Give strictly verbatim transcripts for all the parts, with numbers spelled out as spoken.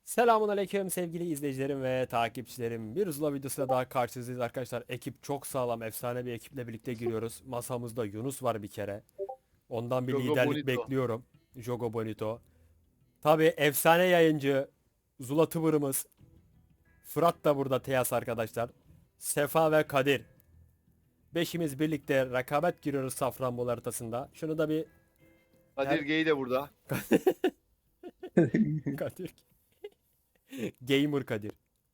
Selamun aleyküm sevgili izleyicilerim ve takipçilerim. Bir Zula videosuyla daha karşınızdayız arkadaşlar. Ekip çok sağlam, efsane bir ekiple birlikte giriyoruz. Masamızda Yunus var bir kere. Ondan bir Jogo liderlik Bonito. bekliyorum. Jogo Bonito. Tabii efsane yayıncı Zula Tıvırımız. Fırat da burada Teyas arkadaşlar. Sefa ve Kadir. Beşimiz birlikte rekabet giriyoruz Safranbolu haritasında. Şunu da bir Kadir her Gey de burada. Kadir. Gamer Kadir.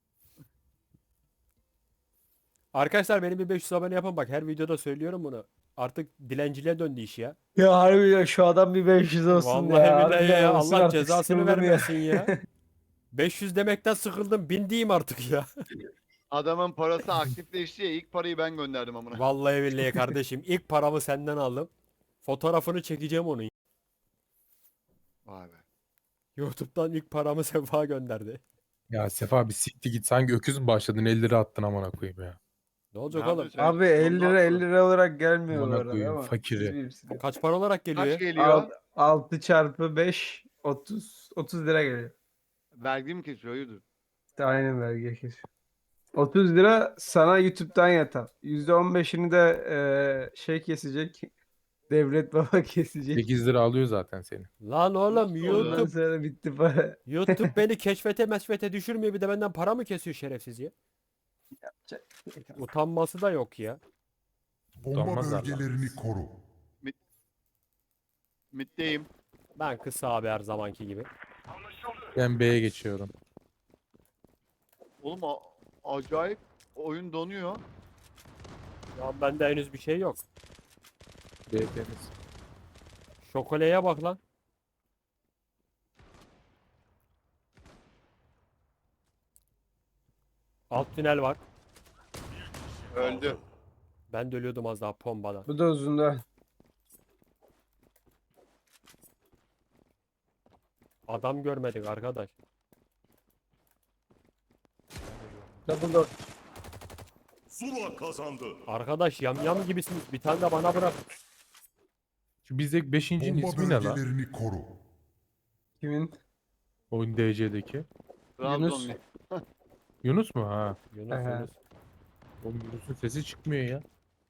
Arkadaşlar benim bir beş yüz abone yapın bak her videoda söylüyorum bunu. Artık dilenciliğe döndü iş ya. Ya harbi ya şu adam bir beş yüz olsun Vallahi ya. billahi Harbiden ya olsun Allah artık, cezasını sıkıldım ya. vermesin ya. beş yüz demekten sıkıldım. Bin diyeyim artık ya. Adamın parası aktifleşti ya, ilk parayı ben gönderdim amına. Vallahi billahi kardeşim ilk paramı senden aldım. Fotoğrafını çekeceğim onun. Vay be. YouTube'dan ilk paramı Sefa gönderdi. Ya Sefa bir sikti git. Sanki öküz mü başladın? elli lira attın amına koyayım ya. Ne olacak Ne oğlum? yapıyorsun? Abi elli lira elli lira olarak gelmiyor bu Amına arada koyayım ama. fakiri. siz bilirsiniz. Kaç para olarak geliyor ya? Kaç geliyor? altı çarpı beş otuz otuz lira geliyor. Vergi mi kesiyor? Hayırdır? İşte aynen vergi kesiyor. otuz lira sana YouTube'dan yatar. yüzde on beşini de eee, şey kesecek. Devlet baba kesecek. sekiz lira alıyor zaten seni. Lan oğlum Nasıl oluyor? Ondan YouTube sonra bitti para. YouTube beni keşfete meşfete düşürmüyor bir de benden para mı kesiyor şerefsiz ya? Utanması da yok ya. Bomba Utanmazlar lan. bölgelerini koru. Mitteyim. Ben kısa abi her zamanki gibi. Ben B'ye geçiyorum. Oğlum a- acayip oyun donuyor. Ya bende henüz bir şey yok. B temiz. Şokoleye bak lan. Alt tünel var. Öldü. Ben de ölüyordum az daha pombadan. Bu da uzunda. Adam görmedik arkadaş. Double door. Zula kazandı. Arkadaş yamyam gibisiniz. Bir tane de bana bırak. Şu bizdeki beşincinin Bomba ismi ne lan? bölgelerini koru. Kimin? Oyun D C'deki. Trabzonlu. Yunus mu? Ha. Yunus Aha. Yunus. Oğlum Yunus'un sesi çıkmıyor ya.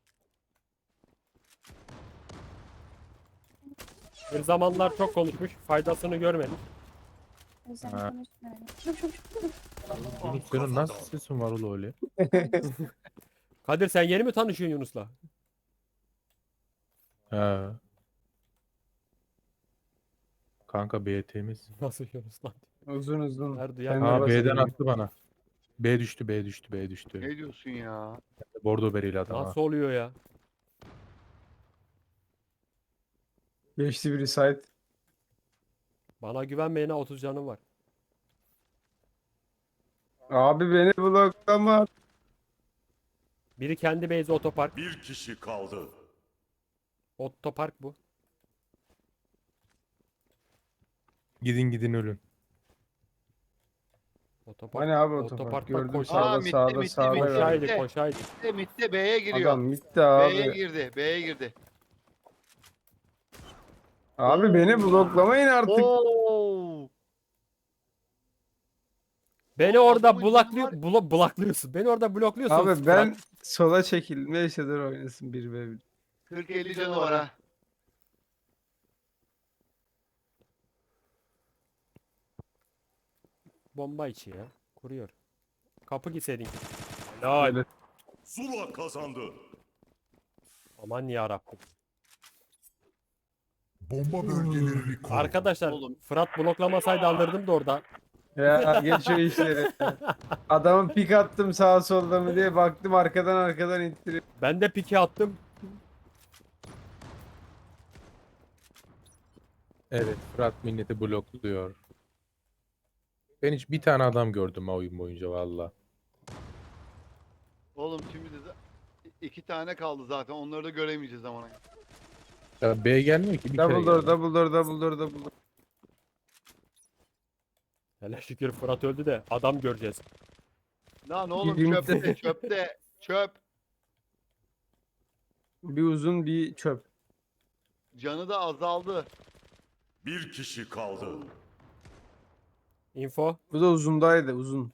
Bir zamanlar çok konuşmuş. Faydasını görmedik. Özel Ha. konuşmuyorum. Çok çok çok. Yunus senin nasıl sesin var oğlum öyle? Kadir sen yeni mi tanışıyorsun Yunus'la? Ha. Kanka B temiz. Nasıl Yunus lan? Uzun uzun. Her duyan Kendi Ha başına B'den bir- attı bana. B düştü B düştü B düştü. Ne diyorsun ya? Bordo bereli adam ha. Nasıl oluyor ya? Geçti biri site. Bana güvenmeyene otuz canım var. Abi beni bloklama. Biri kendi base otopark. Bir kişi kaldı. Otopark bu. Gidin gidin ölün. Otopark. Hani abi otopark? Otoparkta Gördüm koş- sağda Aa, mitti, sağda mitti, sağda. mitti. gördüm. Koşaydı Mitti. koşaydı. Mitte Mitte B'ye giriyor. Adam bitti B'ye abi. girdi. B'ye girdi. Abi beni bloklamayın artık. Oo! Beni Oğlum, orada adamın bulaklıyor, canı blo bloklıyorsun. Beni orada blokluyorsun. Abi ben Fırat. sola çekildim. Neyse dur oynasın bir ve bir. kırk elli canı var ha. Bomba içi ya. Kuruyor. Kapı gitseydin. Helal. Zula kazandı. Aman yarabbim. Bomba bölgelerini koru. Arkadaşlar Oğlum. Fırat bloklamasaydı alırdım da orada. Ya geç o işleri. Adamın pik attım sağa solda mı diye baktım arkadan arkadan ittiriyor. Ben de pike attım. Evet Fırat milleti blokluyor. Ben hiç bir tane adam gördüm ha oyun boyunca valla. Oğlum şimdi de iki tane kaldı zaten. Onları da göremeyeceğiz ama. Ya B gelmiyor ki bir kere Double door, geldi. double door, double door, double door. Hele şükür Fırat öldü de adam göreceğiz. Lan oğlum Gideyim. çöpte, çöpte, çöp. Bir uzun bir çöp. Canı da azaldı. Bir kişi kaldı. Info. Bu da uzundaydı uzun.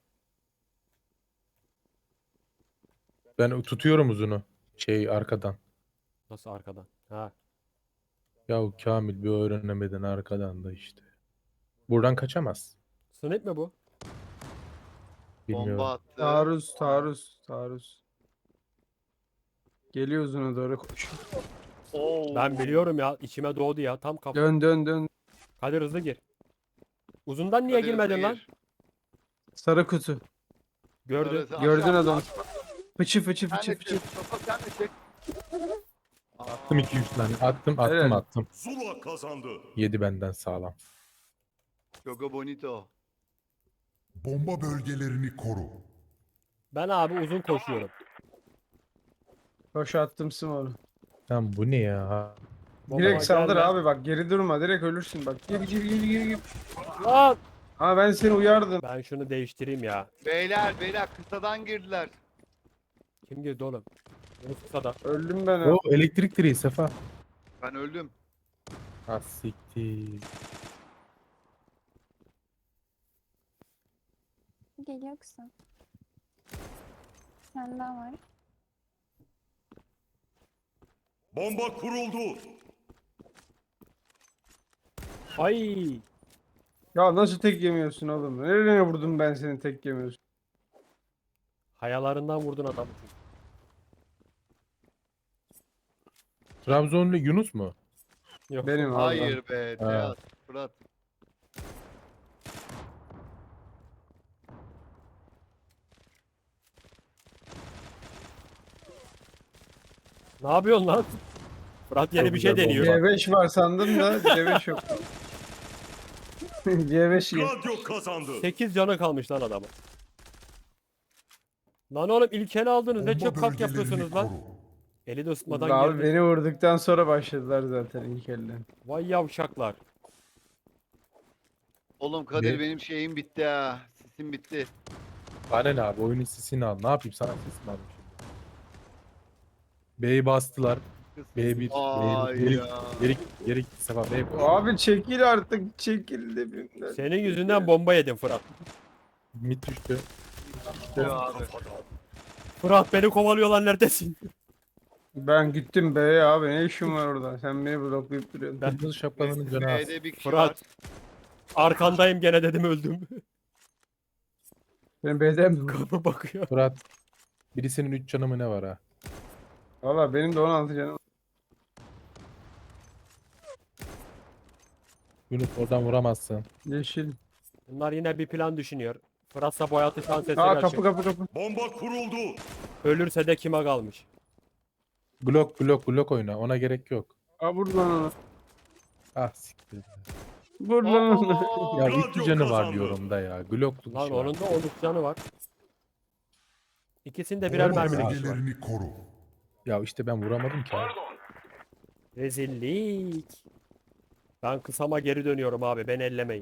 Ben tutuyorum uzunu. Şey arkadan. Nasıl arkadan? Ha. Yahu Kamil bir öğrenemeden arkadan da işte. Buradan kaçamaz. Snipe mi bu? Bilmiyorum. Bomba attı. Taarruz taarruz taarruz. Geliyor uzuna doğru koş. Oo. Ben biliyorum ya. İçime doğdu ya. Tam kafa. Dön dön dön. Kadir hızlı gir. Uzundan niye Kadir girmedin hızlı lan? gir. Sarı kutu. Gördün. Sarısı Gördün aşağı. adam. Fıçı fıçı Sen fıçı de fıçı. çek. Mustafa sen de çek. Attım iki üç tane. Attım attım Helal. attım. Zula kazandı. Yedi benden sağlam. Choco Bonito. Bomba bölgelerini koru. Ben abi uzun koşuyorum. Koş attım smoke'u. Lan bu ne ya? Bomba Direkt saldır gelme. abi bak geri durma direkt ölürsün bak. Gir gir gir gir gir. Lan! Ama ben seni uyardım. Ben şunu değiştireyim ya. Beyler beyler kısadan girdiler. Kim girdi oğlum? Yunus kısada. Öldüm ben. O elektrik direği Sefa. Ben öldüm. Ha siktir. Geliyor kısa. Sen daha var. Bomba kuruldu. Ay! Ya nasıl tek yemiyorsun oğlum? Nereye vurdum ben seni tek yemiyorsun? Hayalarından vurdun adamı. Trabzonlu Yunus mu? Yok. Benim abi. Hayır be. Teyat. Fırat. Ne yapıyorsun lan? Fırat yeni Çok bir şey güzel deniyor. bomba. C beş var sandım da C beş yok. C beş yok. Radyo kazandı. sekiz canı kalmış lan adamın. Lan oğlum ilk ele aldınız. Ne Bomba çok kalk bölgelerini yapıyorsunuz lan. koru. Eli de ısıtmadan Abi girdi. beni vurduktan sonra başladılar zaten ilk elden. Vay yavşaklar. Oğlum Kadir Ne? benim şeyim bitti ha. Sisim bitti. Bana ne abi oyunun sesini al. Ne yapayım sana ses mi alayım şimdi? B'yi bastılar. B bir. Ay B bir. Geri, ya. geri, geri git Sefa B'ye koş. Abi çekil artık çekil dibimden. Senin yüzünden bomba yedim Fırat. Mid düştü. Ya abi. Fırat beni kovalıyorlar neredesin? Ben gittim B'ye abi ne işim var orada? Sen beni bloklayıp duruyorsun. Ben- Kırmızı şapkalının canı az. B'de bir kişi Fırat. var. Arkandayım gene dedim öldüm. Ben B'den mi? Kapı bakıyor. Fırat. Birisinin üç canı mı ne var ha? Valla benim de on altı canım. Yunus oradan vuramazsın. Yeşil. Bunlar yine bir plan düşünüyor. Fırat'sa boyatı şans eseri Aa açık. kapı kapı kapı. Bomba kuruldu. Ölürse de kime kalmış? Blok blok blok oyna. Ona gerek yok. Aa vur lan onu. Ah siktir. Vur lan onu. Ya Radyo iki canı var kazandı. diyorum da ya. Glock'luk Lan işi var. onun da on üç canı var. İkisinde birer Bomba mermilik iş var. bölgelerini koru. Ya işte ben vuramadım ki abi. Rezillik. Ben kısama geri dönüyorum abi. Beni ellemeyin.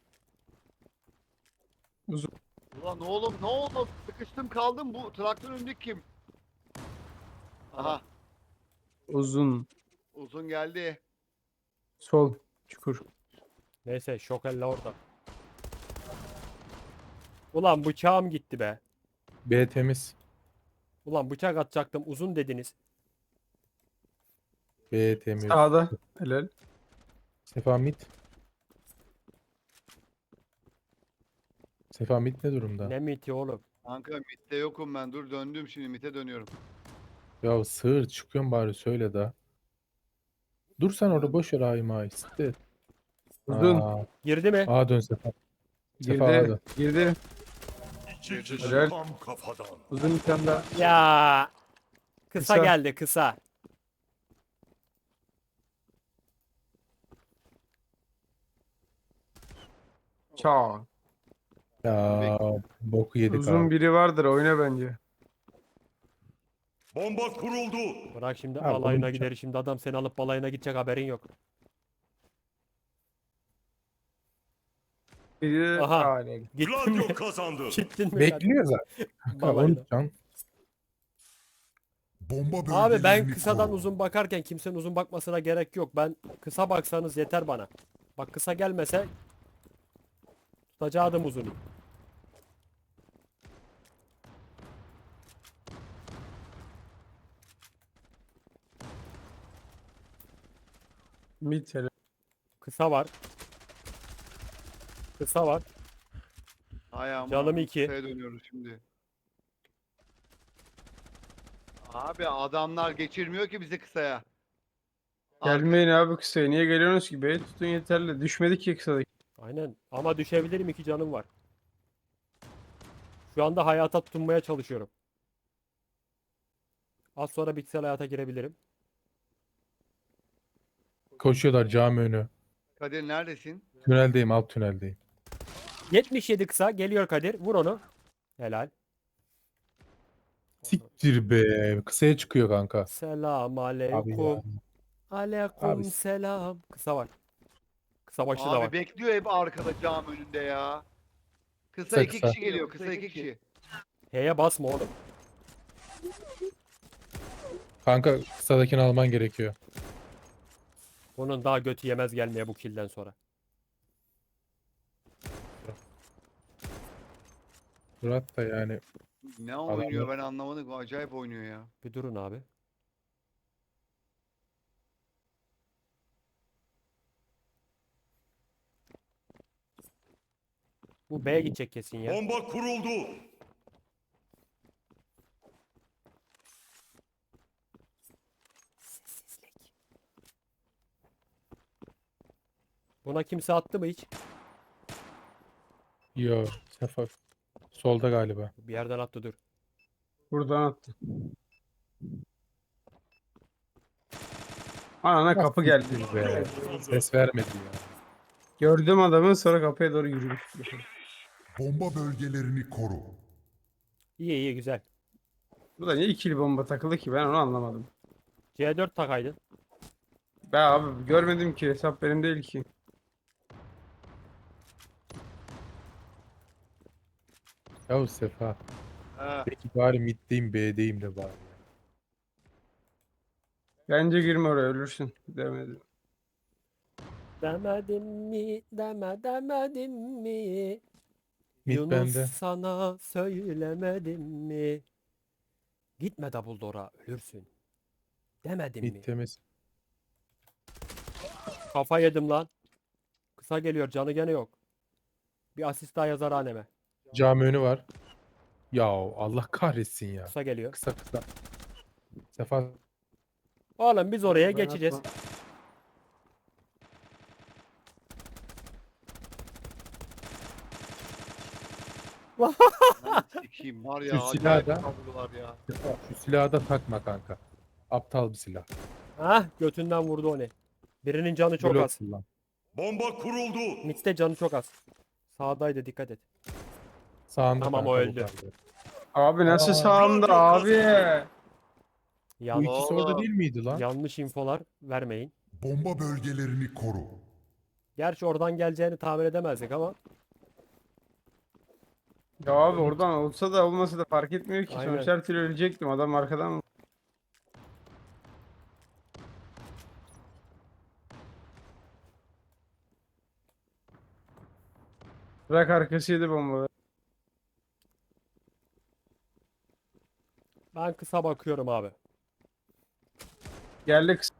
Ulan oğlum ne oldu? Sıkıştım kaldım. Bu traktörün önündeki kim? Aha. Uzun. Uzun geldi. Sol. Çukur. Neyse şokelle orada. Ulan bıçağım gitti be. B temiz. Ulan bıçak atacaktım uzun dediniz. B temiz. Sağda. Helal. Sefa mid. Sefa mid ne durumda? Ne miti oğlum. Kanka mitte yokum ben. Dur döndüm şimdi mitte dönüyorum. Ya sığır çıkıyorsun bari söyle da. Dur sen orada boş ver ayım ay. Siktir. Uzun. Aa, Girdi mi? A dön Sefa. Sefa A Girdi. dön. Girdi. İki kişi Helal. tam kafadan. Uzun bir tane daha. Ya. Kısa, Kısa. geldi kısa. Çağ. Ya boku yedik Uzun abi. biri vardır oyna bence. Bomba kuruldu. Bırak şimdi Abi, balayına onun gider. Şimdi adam seni alıp balayına gidecek haberin yok. Biri Aha. hale. Gittin mi? Radyo kazandı. Gittin mi? Bekliyor zaten. Kanka, Balayına. on can. Bomba Abi bölgelerini ben kısadan koru. uzun bakarken kimsenin uzun bakmasına gerek yok. Ben kısa baksanız yeter bana. Bak kısa gelmese Tutacaktım uzunu. Mid hele. Kısa var. Kısa var. Hay ama Canım iki. kısaya dönüyoruz şimdi. Abi adamlar geçirmiyor ki bizi kısaya. Arka- Gelmeyin abi kısaya. Niye geliyorsunuz ki? B'yi tutun yeterli. Düşmedik ki kısadaki. Aynen. Ama düşebilirim, iki canım var. Şu anda hayata tutunmaya çalışıyorum. Az sonra bitkisel hayata girebilirim. Koşuyorlar cami önü. Kadir neredesin? Tüneldeyim, alt tüneldeyim. yetmiş yedi kısa geliyor Kadir. Vur onu. Helal. Siktir be. Kısaya çıkıyor kanka. Selam Abi ya. aleyküm. Aleyküm Abi- selam. Kısa var. Kısa başı da Abi var. bekliyor hep arkada cam önünde ya. Kısa Kısa, iki kısa. kişi geliyor. Kısa iki kişi. H'ye basma oğlum. Kanka kısadakini alman gerekiyor. Bunun daha götü yemez gelmeye bu killden sonra. Murat da yani Ne oynuyor ben anlamadım. Acayip oynuyor ya. Bir durun abi. Bu B'ye gidecek kesin ya. Bomba kuruldu. Buna kimse attı mı hiç? yo Sefa solda galiba. Bir yerden attı dur. Buradan attı. Anana kapı geldi. Siktir be. Ses vermedi ya. Gördüm adamı sonra kapıya doğru yürümüş. Bomba bölgelerini koru. İyi iyi güzel. Bu da niye ikili bomba takılı ki ben onu anlamadım. C dört takaydın. Ben abi görmedim ki hesap benim değil ki. Yahu Sefa. Ha. Peki bari middeyim B'deyim de bari. Bence girme oraya ölürsün demedim. Demedim mi? Deme demedim mi? Mid Yunus bende. sana söylemedim mi? Gitme Dumbledore'a ölürsün. Demedim mi? Mid temiz. Kafa yedim lan. Kısa geliyor, canı gene yok. Bir asist daha yazar haneme. Cami önü var. Ya Allah kahretsin ya. Kısa geliyor. Kısa kısa. Sefa Oğlum biz oraya Ben geçeceğiz. atma. Lan sikeyim var ya. Şu Acayip silahı da- kavgalar ya. Sefa, şu silahı da takma kanka. Aptal bir silah. Hah götünden vurdu onu. Birinin canı çok Blok az. kullan. Bomba kuruldu. Mid'de canı çok az. Sağdaydı, dikkat et. Sağında Tamam, kanka o bu öldü. kaldı. Abi nasıl Aa, sağımda radyo abi? Bu Yan- ikisi orada Oğlum. değil miydi lan? yanlış infolar vermeyin. Bomba bölgelerini koru. Gerçi oradan geleceğini tahmin edemezdik ama Ya abi oradan olsa da olmasa da fark etmiyor ki. Aynen. Sonuçta her türlü ölecektim. Adam arkadan. Bırak arkasıydı bomba. ben kısa bakıyorum abi. Geldi kısa.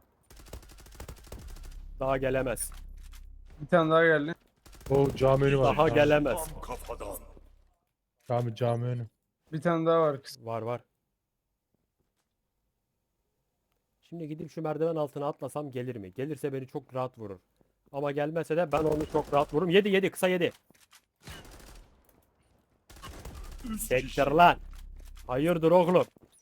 Daha gelemez. Bir tane daha geldi. O cami önü var. Daha Cami- gelemez. Tam kafadan. Cami, cami önü. Bir tane daha var kısa. Var var. Şimdi gidip şu merdiven altına atlasam gelir mi? Gelirse beni çok rahat vurur. Ama gelmese de ben onu çok rahat vururum. Yedi yedi, kısa yedi. Üst Sektir kişi. lan. Hayırdır oğlum?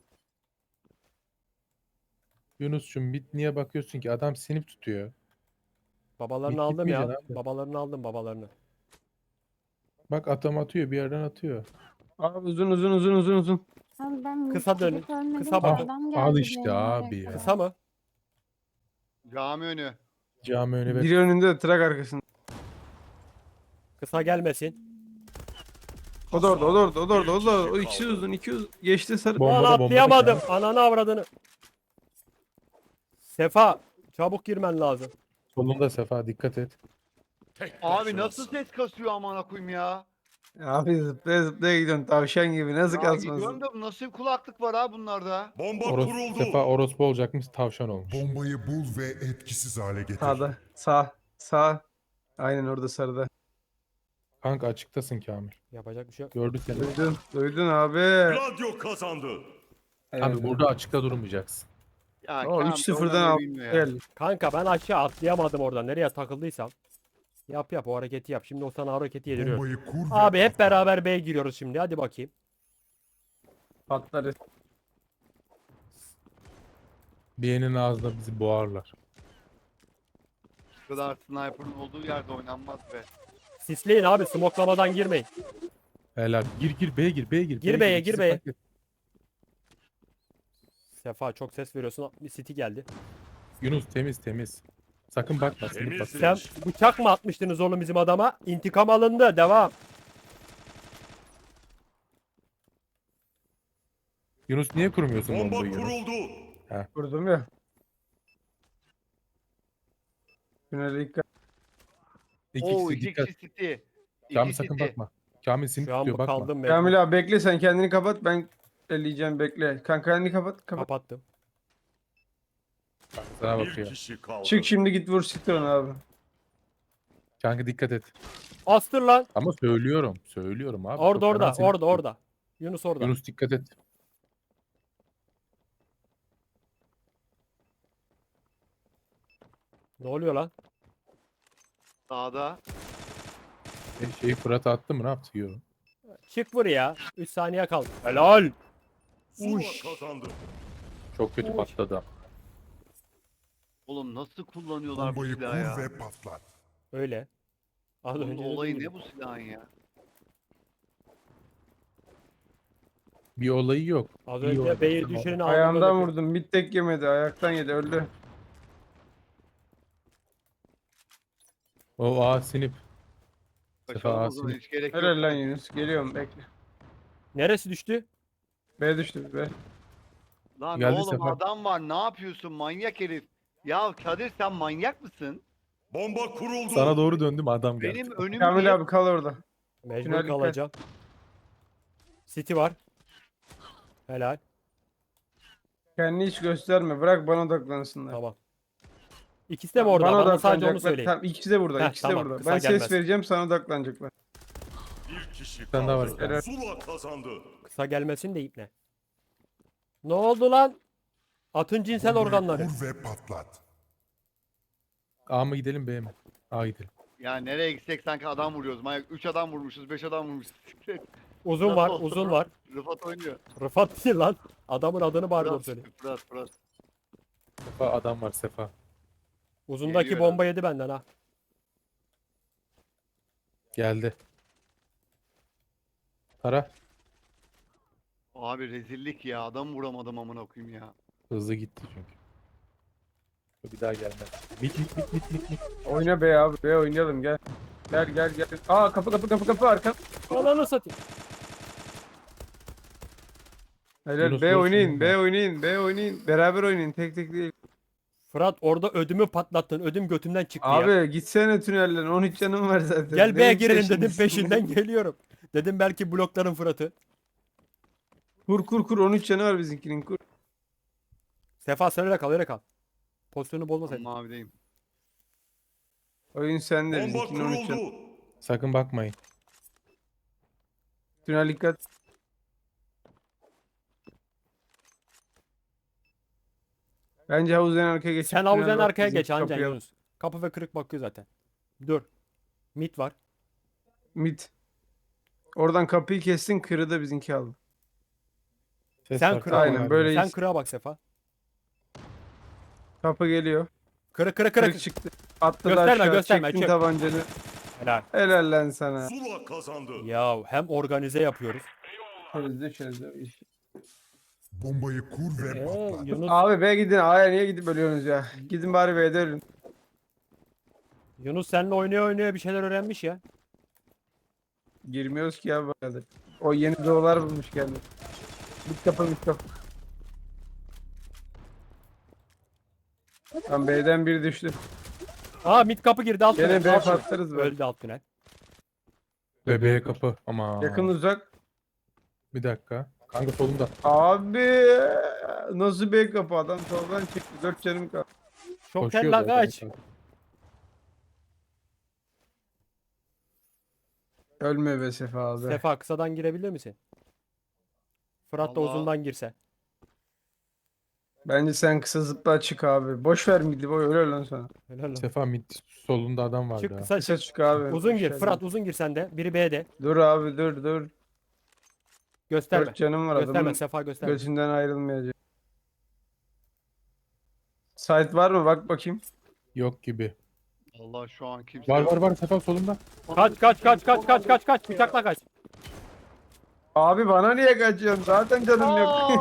Yunus'cum mid niye bakıyorsun ki? Adam sinip tutuyor. Babalarını Git aldım ya. gitmeyeceksin abi. Babalarını aldım, babalarını. Bak atam atıyor bir yerden atıyor. Abi uzun uzun uzun uzun uzun. Abi ben Kısa dönün, direkt ölmedim kısa ki, bakın. adam geldi Al işte beni abi direkt. ya. Kısa mı? Cami önü. Cami önü ve Biri önünde trak arkasında. Kısa gelmesin. O da orada, o da orada, o da orada, o da orada. O ikisi uzun, iki uzun. Geçti sarı. Bomba Lan da, bomba da atlayamadım. ya. Ananı avradını. Sefa çabuk girmen lazım. solunda Sefa dikkat et. Tek Abi başınasın. nasıl ses kasıyor amına koyayım ya? Abi zıplaya zıplaya gidiyorsun tavşan gibi. Nasıl Ya kasmasın? gidiyorum da nasıl bir kulaklık var ha bunlarda? Bomba Oros, kuruldu. Sefa orospu olacakmış, tavşan olmuş. Bombayı bul ve etkisiz hale getir. Sağda. Sağ. Sağ. Aynen orada sarıda. Kanka açıktasın Kamil. Yapacak bir şey yok. Gördü seni. Duydun. Duydun abi. Gladio kazandı. Abi burada açıkta durmayacaksın. Ya O Kamil üç sıfırdan oynamayı al. bilmiyor ya. Gel. Kanka ben aşağı atlayamadım oradan. Nereye takıldıysam. Yap yap o hareketi yap. Şimdi o sana hareketi yediriyorum. Bombayı kur ve Abi hep patlat. beraber B'ye giriyoruz şimdi. Hadi bakayım. Patlarız. B'nin ağzına bizi boğarlar. Bu kadar sniper'ın olduğu yerde oynanmaz be. Sisleyin abi. Smoklamadan girmeyin. Helal. Gir gir B'ye gir B'ye gir. Gir B'ye, İkisi gir B'ye. paket. Sefa çok ses veriyorsun. Bir City geldi. Yunus temiz temiz. Sakın bakma. Sinip bak. Temiz. Sen bıçak mı atmıştınız oğlum bizim adama? İntikam alındı. Devam. Yunus niye kurmuyorsun Bomba bombayı Yunus? kuruldu. Vurdum ya. Tünele dikkat. İki Oo kişi iki dikkat. kişi City. Kamil İki sakın City. bakma. Kamil seni Şu an tutuyor bu bakma. kaldım. mecbur. Kamil abi bekle sen kendini kapat. Ben elleyeceğim bekle. Kanka kendini kapat. Kapat. Kapattım. Sana Bir bakıyor. kişi kaldı. Çık şimdi git vur Citron abi. Kanka dikkat et. Astır lan. Ama söylüyorum. Söylüyorum abi. Orada çok fena orada. seni Orada tutuyor. orada. Yunus orada. Yunus dikkat et. Ne oluyor lan? Sağda. E, şeyi Fırat'a attı mı ne yaptı? Yok. Çık vur ya. üç saniye kaldı. Helal. Zula Uş. kazandı. Çok kötü Uy. patladı. Oğlum nasıl kullanıyorlar bu Bombayı kur silahı ya? ve patlat. Öyle. Az Bunun önce dediğim olayı gibi. ne bu silahın ya? Bir olayı yok. Az İyi önce oynadı. B'yi Tamam. düşürün Ayağımdan vurdum. Bir tek yemedi. Ayaktan yedi. Öldü. O A sinip. Sefa Kaçalım o Asim. zaman hiç gerek yok. Helal lan Yunus. Geliyorum bekle. Neresi düştü? B düştü be. Lan Geldi oğlum Sefa. adam var ne yapıyorsun manyak herif. Ya Kadir sen manyak mısın? Bomba kuruldu. Sana doğru döndüm adam geldi. Benim önüm Kamil niye- abi kal orada. Mecbur Tünel dikkat. kalacağım. City var. Helal. Kendini hiç gösterme. Bırak bana odaklansınlar. Tamam. İkisi de mi orada? Bana, sadece onu odaklanacaklar. söyleyin. Tamam, ikisi de burada. Heh, ikisi de tamam, burada. kısa Ben gelmez. ses vereceğim sana odaklanacaklar. Bir kişi tane daha kaldı. var. Zula kazandı. Kısa gelmesin de ipne. Ne oldu lan? Atın cinsel Bombayı organları. kur ve patlat. A mı gidelim B mi? A gidelim. Ya nereye gitsek sanki adam vuruyoruz. Manyak üç adam vurmuşuz, beş adam vurmuşuz. Uzun Nasıl var, oldu? uzun var. Rıfat oynuyor. Rıfat değil lan. Adamın adını bari doğru Fırat, söyle. Fırat, Fırat. Sefa adam var Sefa. Uzundaki Geliyor bomba yedi benden ha. Geldi. Tara. Abi rezillik ya. Adam vuramadım amına koyayım ya. Hızlı gitti çünkü. Bir daha gelmez. Bit bit bit bit bit. bit. Oyna be abi. B oynayalım gel. Gel gel gel. Aa kapı kapı kapı kapı arka. Ananı satayım. Helal Yunus B vursun oynayın. ya. B oynayın. B oynayın. Beraber oynayın. Tek tek değil. Fırat orada ödümü patlattın. Ödüm götümden çıktı ya. Abi gitsene tünelden. on üç canım var zaten. Gel B'ye Neyin girelim dedim peşindesin? peşinden geliyorum. Dedim belki blokların Fırat'ı. Kur kur kur. on üç canı var bizimkinin. Kur. Sefa sen öyle kal öyle kal. Pozisyonu bozma sen. Mavideyim. Oyun sende. Bomba Bizimkinin on üç canı. kuruldu. Sakın bakmayın. Tünel dikkat. Bence havuzdan arkaya geç. Sen Tünel havuzdan bak, arkaya bizim geç anca kapıya- Yunus. Kapı ve kırık bakıyor zaten. Dur. Mit var. Mid. Oradan kapıyı kestin. Kırı da bizimki aldı. Ses Sen var, kıra tamam Aynen, abi. böyle- Sen kıra bak Sefa. Kapı geliyor. Kırı kırı Kırık kırık. çıktı. Atladı Gösterme, aşağı. gösterme, Çektin çık. tabancanı. Helal. Helal lan sana. Zula kazandı. Ya hem organize yapıyoruz. Çözdü çözdü. Bombayı kur ve Ee, patlat. Yunus Abi B'ye gidin. A'ya niye gidip ölüyorsunuz ya? Gidin bari B'de ölün. Yunus seninle oynaya oynaya bir şeyler öğrenmiş ya. Girmiyoruz ki ya böyle. O yeni doğular bulmuş kendini. Bit kapı bit kapı. Tam B'den biri düştü. Aa mid kapı girdi alt tünel. Gene B alt tünel. patlarız böyle. Öldü alt tünel. Bebeğe kapı. Ama Yakın uzak. bir dakika. Kanka solunda. Abi nasıl B kapı adam soldan çıktı. Dört canım kaldı. Çok Koşuyor tella zaten. kaç. Ölme be Sefa abi. Sefa kısadan girebilir misin? Fırat da Vallahi- uzundan girse. Bence sen kısa zıpla çık abi. Boş ver midi boy öyle lan sana. Helal olsun. Sefa mid solunda adam vardı. Çık ha. kısa Kısa çık. çık abi. Uzun Boş gir. ver. Fırat uzun gir sen de. Biri B'de. Dur abi dur dur. Gösterme. Dört canım var Gösterme adamın. Sefa gösterme. Götünden ayrılmayacak. Site var mı? Bak bakayım. Yok gibi. Allah şu an kimse Var yok. var var Sefa solunda. Kaç kaç kaç kaç kaç kaç kaç. Bıçakla kaç. Abi bana niye kaçıyorsun? Zaten canım Aa, yok.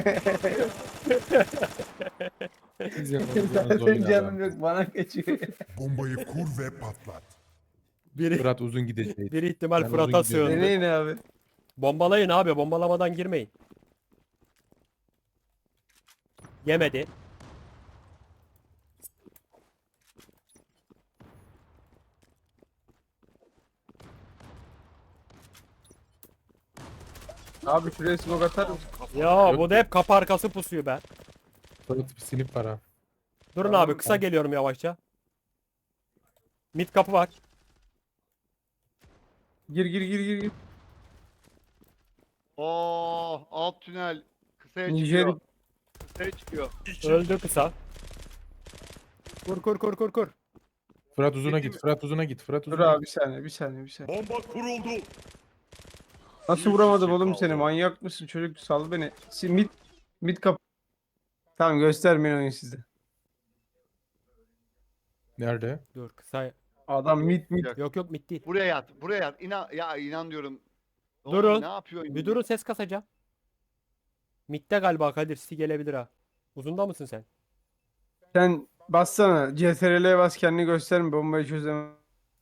Siz yapamayacağınız oyun Zaten abi. canım yok. Bana kaçıyor. Bombayı kur ve patlat. Biri, Fırat uzun gidecek. bir ihtimal Ben Fırat'a uzun gidiyorum. sığındı. Deneyin abi. Bombalayın abi. Bombalamadan girmeyin. Yemedi. Abi şuraya smoke atar mısın? Ya bu da hep kapı arkası pusuyor be. Fırat bir sinip var ha. Durun Tamam, abi kısa tamam. geliyorum yavaşça. Mid kapı var. Gir gir gir gir. gir. Oh, alt tünel kısaya Nijer çıkıyor. Kısaya çıkıyor. Öldü kısa. Kur kur kur kur kur. Fırat uzuna Peki git. mi? Fırat uzuna git. Fırat dur uzuna abi bir git. saniye bir saniye bir saniye. Bomba kuruldu. Nasıl Bir vuramadım kişi oğlum kaldı. seni? Manyak mısın çocuk? Sal beni. Si- Mid mid kap. Tamam göstermeyin oyun sizde. Nerede? Dur kısa. Adam mid mid. Yok yok mid değil. Buraya yat, buraya yat. İnan, ya inan diyorum. Oğlum Durun. ne yapıyorsun? Bir durun ses kasacağım. Mid'de galiba Kadir City gelebilir ha. Uzunda mısın sen? Sen bassana. C T R L'ye bas kendini gösterme. Bombayı çözemem.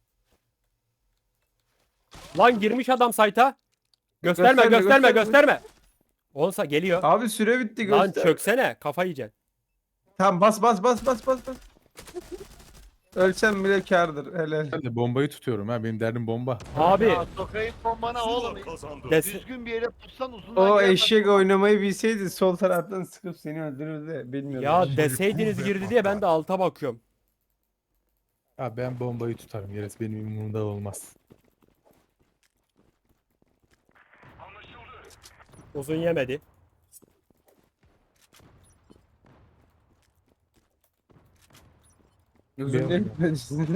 Lan girmiş adam site'a. Gösterme Gösterme, gösterme gösterme. gösterme. Olsa geliyor. Abi süre bitti Lan göster. çöksene kafa yiyeceksin. Tamam bas bas bas bas bas bas. Ölsem bile kârdır. Helal. Ben de bombayı tutuyorum ha. Benim derdim bomba. Abi Ya sokayım bombana oğlum. Zula kazandı. des Düzgün bir yere tutsan uzundan O giremezsin. eşek oynamayı bilseydi sol taraftan sıkıp seni öldürürdü. Bilmiyorum. ya deseydiniz girdi diye ben de alta bakıyorum. Ha ben bombayı tutarım. Gerisi benim umurumda olmaz. Uzun yemedi. Özür dilerim.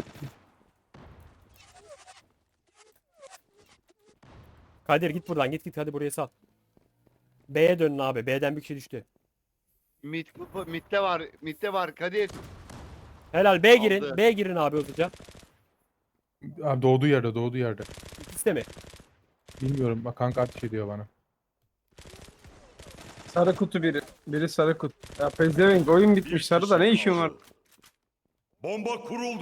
Kadir git buradan git git hadi buraya sal. B'ye dönün abi. B'den bir kişi düştü. Mid, midde var, midde var Kadir. Helal B girin. Aldı. B girin abi hızlıca. Abi doğduğu yerde doğduğu yerde. İkisi de mi? Bilmiyorum bak kanka ateş ediyor bana. Sarı kutu biri. Biri sarı kutu. Ya pezevenk oyun Bir bitmiş sarıda ne kişi işin var? kaldı. Bomba kuruldu.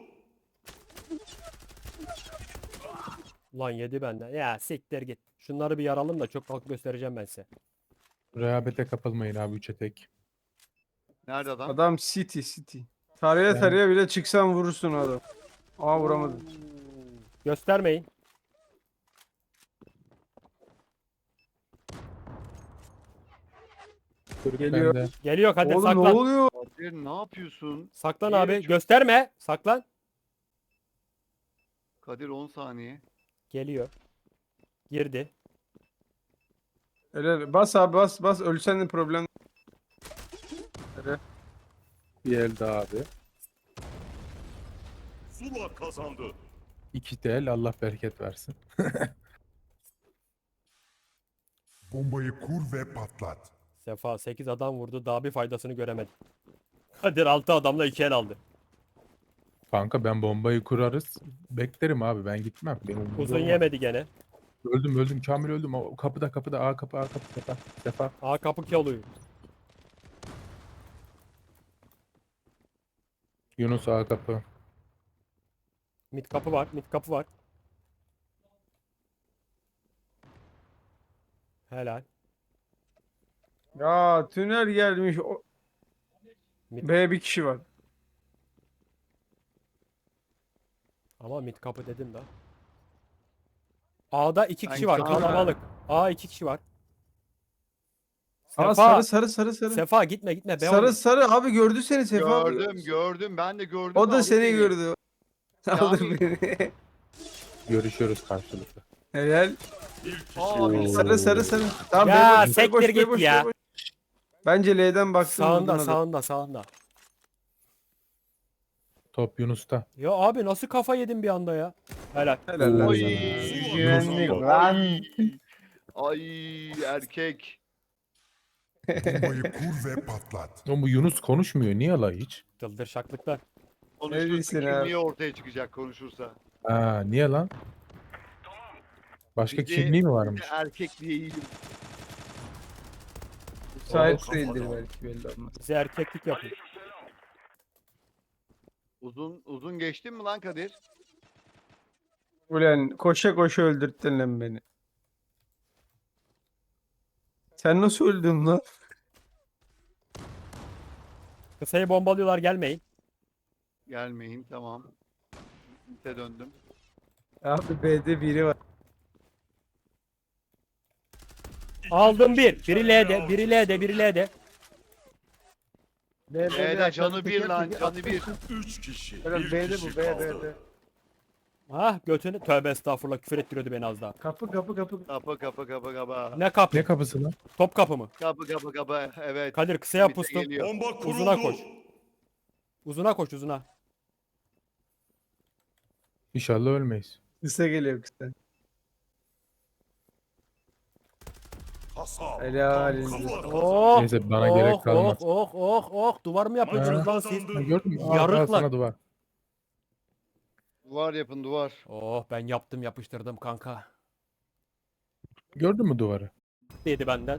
Ulan yedi benden. Ya siktir git. Şunları bir yaralım da çok halk göstereceğim ben size. Rehabete kapılmayın abi üçe tek. Nerede adam? Adam city city. Taraya Ben- taraya bile çıksan vurursun adam. Aa vuramadım. Göstermeyin. Çocuk Geliyor. bende. Geliyor Kadir Oğlum ne saklan. oluyor? Kadir ne yapıyorsun? Saklan Niye abi. çok- Gösterme. Saklan. Kadir on saniye. Geliyor. Girdi. Öyle bas abi bas bas ölsen de problem. Öyle. Bir el daha abi. Zula kazandı. İki de el Allah bereket versin. Bombayı kur ve patlat. Sefa sekiz adam vurdu. Daha bir faydasını göremedim. Kadir altı adamla iki el aldı. Kanka ben bombayı kurarız. Beklerim abi ben gitmem. Benim umurumda Uzun olmaz. yemedi gene. Öldüm öldüm Kamil öldüm. O kapıda kapıda A kapı A kapı Sefa. Sefa. Aa kapı çalıyor. Yunus A kapı. Mid kapı var. Mid kapı var. Helal. Ya tünel gelmiş. O... Mid- B bir kişi var. Ama mid kapı dedim da. A'da iki kişi Ben var. şu an- Kalabalık. A iki kişi var. Aa Sefa, sarı sarı sarı sarı. Sefa gitme gitme. Be Sarı oğlum. sarı abi gördü seni Sefa abi. Gördüm gördüm ben de gördüm. O de da aldı seni beni. gördü. Aldı Yani- beni. Görüşüyoruz karşılıklı. Helal. Bir kişi Aa, Sarı sarı sarı. Tamam, Ya, bey boş, bey sektir boş, bey git boş, ya. bey boş. Bence L'den baktım. Sağında vurdun adamı. sağında sağında. Top Yunus'ta. Ya abi nasıl kafa yedim bir anda ya. Helal. Helal lan Oy. sana. Zula Güvenlik kazandı. lan. Ay erkek. Bombayı kur ve patlat. Oğlum bu Yunus konuşmuyor. Niye la hiç? Dıldır şaklıklar. Konuşursa diyorsun abi? kimliği ortaya çıkacak konuşursa. Ha, niye lan? Başka Bir de- kimliği mi bir de varmış? Erkek diye iyiyim. Müsait değildir belki, belli olmaz. Bize erkeklik yapın. Uzun uzun geçtin mi lan Kadir? Ulan koşa koşa öldürttün lan beni. Sen nasıl öldün lan? Kısayı bombalıyorlar gelmeyin. Gelmeyin tamam. Size döndüm. Abi B'de biri var. Aldım bir. Biri L'de, biri L'de, biri L'de. B'de canı bir lan canı bir. Üç kişi. Helal, Bir B'de kişi bu, B, kaldı. B'de. Ah götünü. Tövbe estağfurullah küfür ettiriyordu beni az daha. Kapı kapı kapı. Kapı kapı kapı kapı. Ne kapı? Ne kapısı lan? Top kapı mı? Kapı kapı kapı evet. Kadir kısaya Bize pustum. geliyor. Bomba kuruldu. Uzuna koş. Uzuna koş uzuna. İnşallah ölmeyiz. Kısa geliyor kısa. Kasap. Helal Tam elinize kafa sağlık. Oh, Neyse, bana oh, gerek kalmaz. Oh oh oh oh. Duvar mı yapıyorsunuz lan siz? Kazandı. Ha, gördün mü? Al, al Yarıklar. sana duvar. Duvar yapın duvar. Oh ben yaptım yapıştırdım kanka. Gördün mü duvarı? Dedi benden.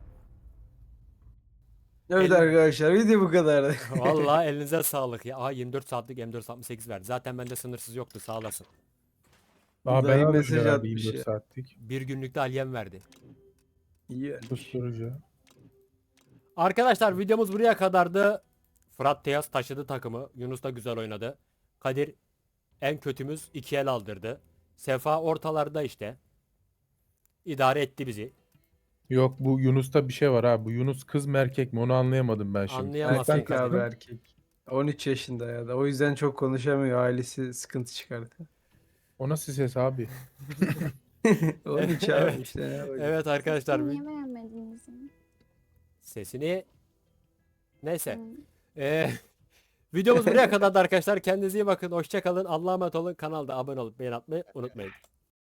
Evet El- arkadaşlar, video bu kadardı. Vallahi elinize sağlık ya. Aa yirmi dört saatlik M dört altmış sekiz verdi. Zaten bende sınırsız yoktu sağ olasın. Aa, ben Dayı aldım mesaj herhalde atmış yirmi dört ya. saatlik. Bir günlükte Aliyem verdi. İyi. Susturucu. Arkadaşlar videomuz buraya kadardı. Fırat Teyaz taşıdı takımı. Yunus da güzel oynadı. Kadir en kötümüz iki el aldırdı. Sefa ortalarda işte. İdare etti bizi. Yok, bu Yunus'ta bir şey var ha. Bu Yunus kız mı erkek mi onu anlayamadım ben şimdi. Anlayamazsın Erkek Kadir. abi erkek. on üç yaşında ya da o yüzden çok konuşamıyor. Ailesi sıkıntı çıkardı. O nasıl ses abi? on üç abi Evet. işte. ne yapacak? Evet arkadaşlar Sesini vi- niye beğenmediniz ya? sesini neyse. Hı. Ee, videomuz buraya kadardı arkadaşlar. Kendinize iyi bakın. Hoşça kalın. Allah'a emanet olun. Kanalda abone olup beğen atmayı unutmayın.